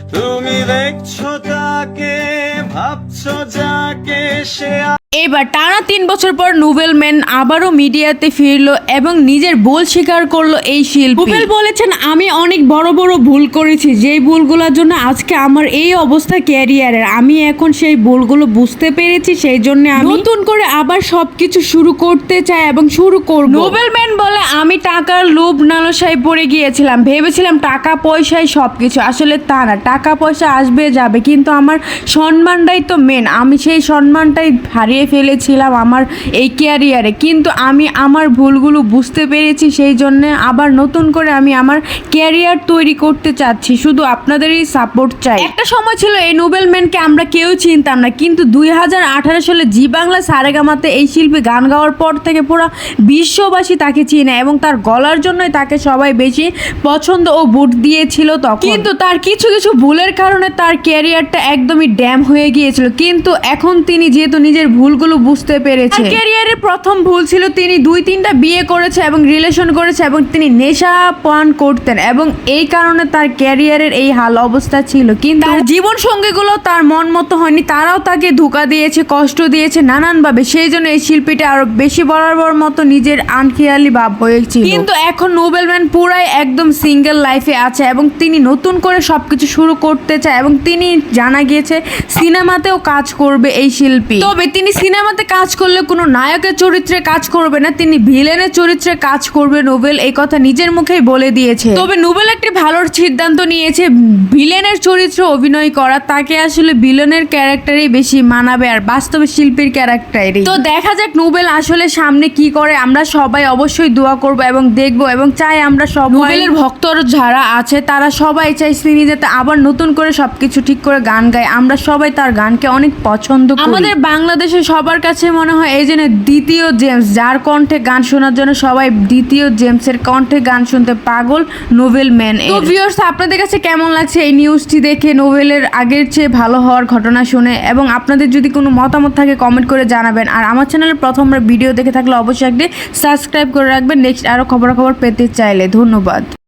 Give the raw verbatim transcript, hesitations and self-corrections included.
তুমি দেখছো তাকে, ভাবছো যাকে, সে এবার টানা তিন বছর পর নোবেল ম্যান আবারও মিডিয়াতে ফিরলো এবং নিজের ভুল স্বীকার করলো এই শিল্পী। নোবেল বলেছেন, আমি অনেক বড় বড় ভুল করেছি, যেই ভুলগুলোর জন্য আজকে আমার এই অবস্থা ক্যারিয়ারের। আমি এখন সেই ভুলগুলো বুঝতে পেরেছি, সেই জন্য আমি নতুন করে আবার সবকিছু শুরু করতে চাই এবং শুরু করব। নোবেল ম্যান বলে, আমি টাকার লোভ লালসায় পড়ে গিয়েছিলাম, ভেবেছিলাম টাকা পয়সায় সবকিছু। আসলে তা না, টাকা পয়সা আসবে যাবে, কিন্তু আমার সম্মানটাই তো মেন। আমি সেই সম্মানটাই হারিয়ে ফেলেছিলাম আমার এই ক্যারিয়ারে, কিন্তু আমি আমার ভুলগুলো বুঝতে পেরেছি, সেই জন্য আবার নতুন করে আমি আমার ক্যারিয়ার তৈরি করতে চাচ্ছি। শুধু আপনাদেরই সাপোর্ট চাই। একটা সময় ছিল এই নোবেল ম্যানকে আমরা কেউ চিনতাম না, কিন্তু দুই হাজার আঠারো সালে জি বাংলা সারেগামাতে এই শিল্পী গান গাওয়ার পর থেকে পুরো বিশ্ববাসী তাকে চিনে এবং তার গলার জন্যই তাকে সবাই বেশি পছন্দ ও ভোট দিয়েছিল তখন। কিন্তু তার কিছু কিছু ভুলের কারণে তার ক্যারিয়ারটা একদমই ড্যাম হয়ে গিয়েছিল, কিন্তু এখন তিনি যেহেতু নিজের ভুলগুলো বুঝতে পেরেছে। ক্যারিয়ারের প্রথম ভুল ছিল তিনি দুই তিনটা বিয়ে করেছে এবং রিলেশন করেছে এবং তিনি নেশা পান করতেন এবং এই কারণে তার ক্যারিয়ারের এই হাল অবস্থা ছিল। কিন্তু তার জীবন সঙ্গীগুলো তার মন মতো হয়নি, তারাও তাকে ধোঁকা দিয়েছে, কষ্ট দিয়েছে নানানভাবে, সেই জন্য এই শিল্পীটা আরো বেশি বরাবর মতো নিজের আনখেয়ালি ভাব হয়েছিল। কিন্তু এখন নোবেল ম্যান পুরাই একদম সিঙ্গেল লাইফে আছে এবং তিনি নতুন করে সবকিছু শুরু করতে চায় এবং তিনি জানা গিয়েছে সিনেমাতেও কাজ করবে এই শিল্পী। তবে তিনি সিনেমাতে কাজ করলে কোনো নায়কের চরিত্রে কাজ করবে না, তিনি ভিলেনের চরিত্রে কাজ করবে নোবেল, এই কথা নিজের মুখেই বলে দিয়েছে। তবে নোবেল একটি ভালো সিদ্ধান্ত নিয়েছে, ভিলেনের চরিত্রে অভিনয় করা। তাকে আসলে ভিলেনের ক্যারেক্টারই বেশি মানাবে আর বাস্তবে শিল্পীর ক্যারেক্টারই। তো দেখা যাক নোবেল আসলে সামনে কি করে। আমরা সবাই অবশ্যই দোয়া করব এবং দেখব এবং চাই আমরা সব নোবেলের ভক্ত যারা আছে তারা সবাই চাই তিনি যাতে আবার নতুন করে সবকিছু ঠিক করে গান গায়। আমরা সবাই তার গানকে অনেক পছন্দ করি। আমাদের বাংলাদেশে সবার কাছে মনে হয় এই জন্য দ্বিতীয় জেমস, যার কণ্ঠে গান শোনার জন্য সবাই দ্বিতীয় জেমসের কণ্ঠে গান শুনতে পাগল নোবেল ম্যান। তো ভিউয়ার্স, আপনাদের কাছে কেমন লাগছে এই নিউজটি দেখে, নোবেলের আগের চেয়ে ভালো হওয়ার ঘটনা শুনে? এবং আপনাদের যদি কোনো মতামত থাকে কমেন্ট করে জানাবেন। আর আমার চ্যানেলে প্রথমবার ভিডিও দেখে থাকলে অবশ্যই একটি সাবস্ক্রাইব করে রাখবেন নেক্সট আরও খবরাখবর পেতে চাইলে। ধন্যবাদ।